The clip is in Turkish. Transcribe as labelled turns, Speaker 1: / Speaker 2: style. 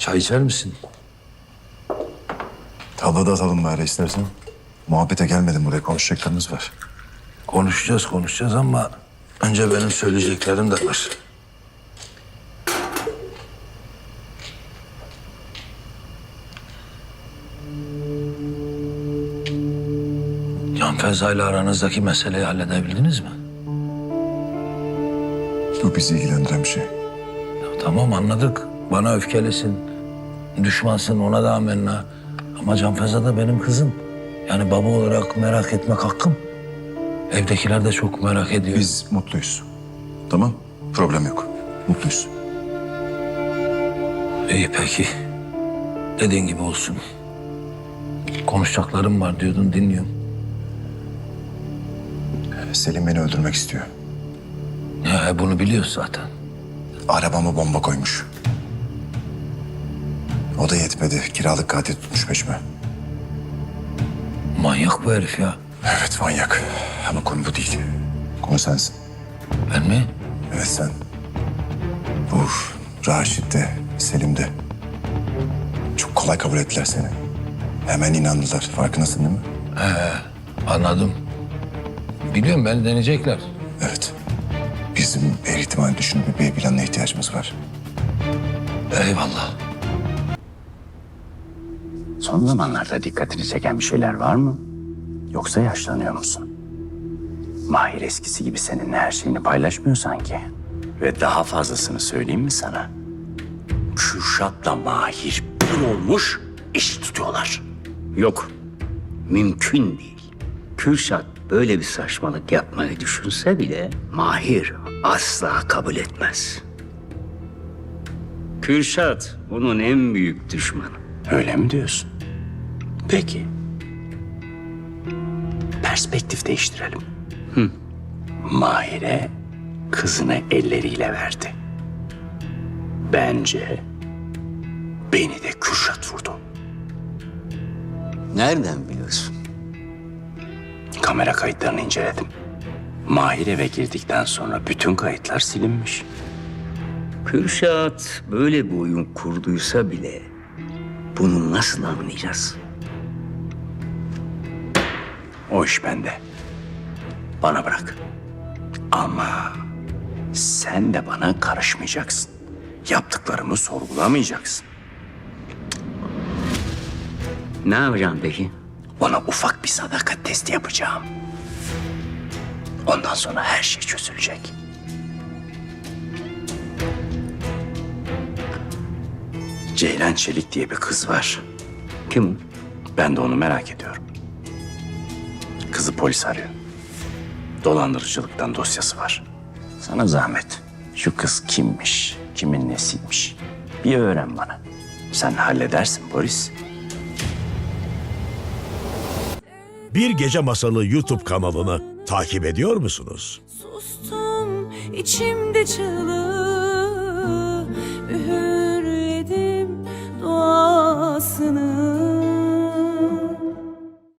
Speaker 1: Çay içer misin?
Speaker 2: Tavla da atalım bari istersen. Muhabbete gelmedim, buraya konuşacaklarımız var.
Speaker 1: Konuşacağız ama önce benim söyleyeceklerim de var. Can Feza ile aranızdaki meseleyi halledebildiniz mi?
Speaker 2: Bu bizi ilgilendiren bir şey.
Speaker 1: Ya tamam anladık. Bana öfkelisin. Düşmansın, ona da amenna. Ama Can Feza da benim kızım. Yani baba olarak merak etmek hakkım. Evdekiler de çok merak ediyor.
Speaker 2: Biz mutluyuz. Tamam, problem yok. Mutluyuz.
Speaker 1: İyi peki. Dediğin gibi olsun. Konuşacaklarım var diyordun, dinliyorum.
Speaker 2: Selim beni öldürmek istiyor.
Speaker 1: Ya bunu biliyoruz zaten.
Speaker 2: Arabama bomba koymuş. O da yetmedi. Kiralık katil tutmuş peşime.
Speaker 1: Manyak bu herif ya.
Speaker 2: Evet, manyak. Ama konu bu değil. Konu sensin.
Speaker 1: Ben mi?
Speaker 2: Evet, sen. Bu Raşit de, Selim de. Çok kolay kabul ettiler seni. Hemen inandılar. Farkındasın değil mi?
Speaker 1: Anladım. Biliyorum beni deneyecekler.
Speaker 2: Evet. Bizim her ihtimal düşünüp bir B planına ihtiyacımız var.
Speaker 1: Eyvallah.
Speaker 3: Son zamanlarda dikkatini çeken bir şeyler var mı? Yoksa yaşlanıyor musun? Mahir eskisi gibi seninle her şeyini paylaşmıyor sanki. Ve daha fazlasını söyleyeyim mi sana? Kürşat'la Mahir bir olmuş, iş tutuyorlar.
Speaker 4: Yok. Mümkün değil. Kürşat böyle bir saçmalık yapmayı düşünse bile Mahir asla kabul etmez. Kürşat onun en büyük düşmanı.
Speaker 3: Öyle mi diyorsun? Peki. Perspektif değiştirelim. Mahir'e kızını elleriyle verdi. Bence beni de Kürşat vurdu.
Speaker 4: Nereden biliyorsun?
Speaker 3: Kamera kayıtlarını inceledim. Mahir eve girdikten sonra bütün kayıtlar silinmiş.
Speaker 4: Kürşat böyle bir oyun kurduysa bile bunu nasıl anlayacağız?
Speaker 3: O iş bende. Bana bırak. Ama sen de bana karışmayacaksın. Yaptıklarımı sorgulamayacaksın.
Speaker 4: Ne yapacağım peki?
Speaker 3: Ona ufak bir sadakat testi yapacağım. Ondan sonra her şey çözülecek. Ceylan Çelik diye bir kız var.
Speaker 4: Kim o?
Speaker 3: Ben de onu merak ediyorum. Kızı polis arıyor. Dolandırıcılıktan dosyası var. Sana zahmet. Şu kız kimmiş, kimin nesiymiş? Bir öğren bana. Sen halledersin Boris.
Speaker 5: Bir Gece Masalı YouTube kanalını takip ediyor musunuz?
Speaker 6: Sustum içimde çığlık.